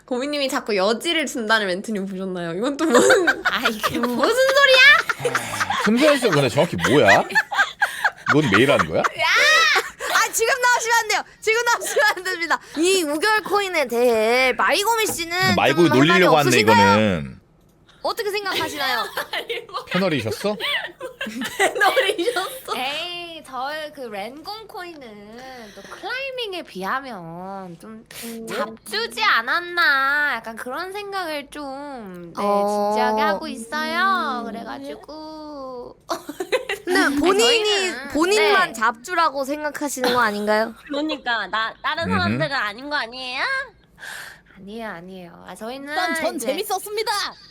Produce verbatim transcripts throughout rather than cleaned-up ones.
고민님이 자꾸 여지를 준다는 멘트님 보셨나요? 이건 또 무슨 아 이게 무슨 소리야? 틈새에서 근데 정확히 뭐야? 넌 매일 하는 거야? 아 지금 나오시면 안 돼요. 지금 나오시면 안 됩니다. 이 우결 코인에 대해 마이고미 씨는 말고 좀 놀리려고 할 말이 하네 없으신가요? 이거는. 어떻게 생각하시나요? 패널이셨어? 배너리셨어. 에이 저의 그 랜공 코인은 또 클라이밍에 비하면 좀 잡주지 않았나 약간 그런 생각을 좀 네, 어. 진지하게 하고 있어요. 그래가지고 근데 본인이 저희는- 본인만 네. 잡주라고 생각하시는 거 아닌가요? 그러니까 나 다른 음흠. 사람들은 아닌 거 아니에요? 아니에요 아니에요. 아 저희는 일단 전 이제 재밌었습니다.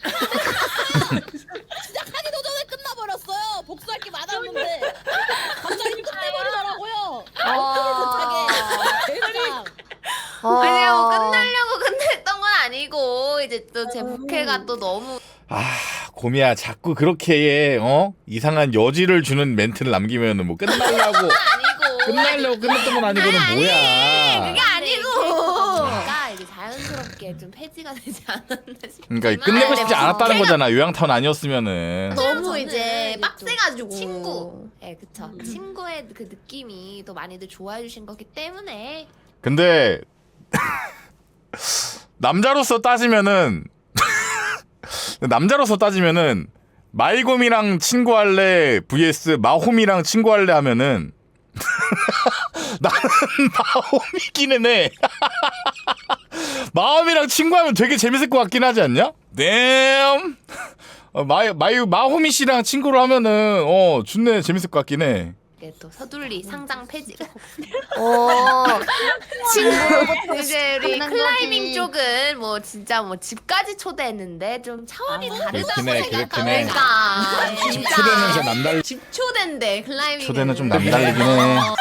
시작하기도 전에 끝나버렸어요. 복수할 게 많았는데 갑자기 끝내버리더라고요. 어... 대장. 어... 아니요 뭐 끝나려고 끝냈던 건 아니고 이제 또 제 부캐가 또 너무 아 고미야 자꾸 그렇게 어 이상한 여지를 주는 멘트를 남기면은 뭐 끝나려고 아니고 끝나려고 끝냈던 건 아니고는 뭐야? 그게 아니고 그러니까 이제 자연스럽게 좀 폐지가 되지 않았나 싶어요. 그러니까 끝내고 싶지 않았다는 거잖아. 요양타운 아니었으면은. 너무 저는 이제 이제 빡세가지고 친구, 예, 그쵸. 친구의 그 느낌이 또 많이들 좋아해 주신 거기 때문에 근데 남자로서 따지면은 남자로서 따지면은 마이곰이랑 친구할래 vs 마홈이랑 친구할래 하면은 나는 마홈이기는 해. 마홈이랑 친구하면 되게 재밌을 것 같긴 하지 않냐? damn. 어, 마 마이 마홈이 씨랑 친구를 하면은 어 좋네 재밌을 것 같긴 해. 이게 또 서둘리 상장 폐지가 어... 친구로부터 이제 우리 끝난 클라이밍 거지. 쪽은 뭐 진짜 뭐 집까지 초대했는데 좀 차원이 다르다고 그렇긴 해, 그렇긴 해. 생각하니까 그러니까 집 초대면서 남달 집초대인데 클라이밍 초대는 좀 남달리긴 해.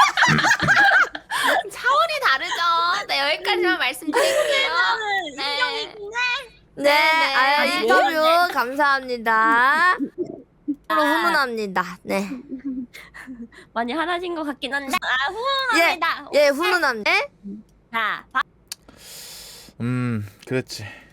차원이 다르죠. 네 여기까지만 말씀드릴게요. 네. 네, 아, 네. 인터뷰 감사합니다. 서로 훈훈합니다. 네, 많이 하나진 것 같긴 한데 아 예, 후원합니다. 예, 훈훈합니다. 자 음 그랬지.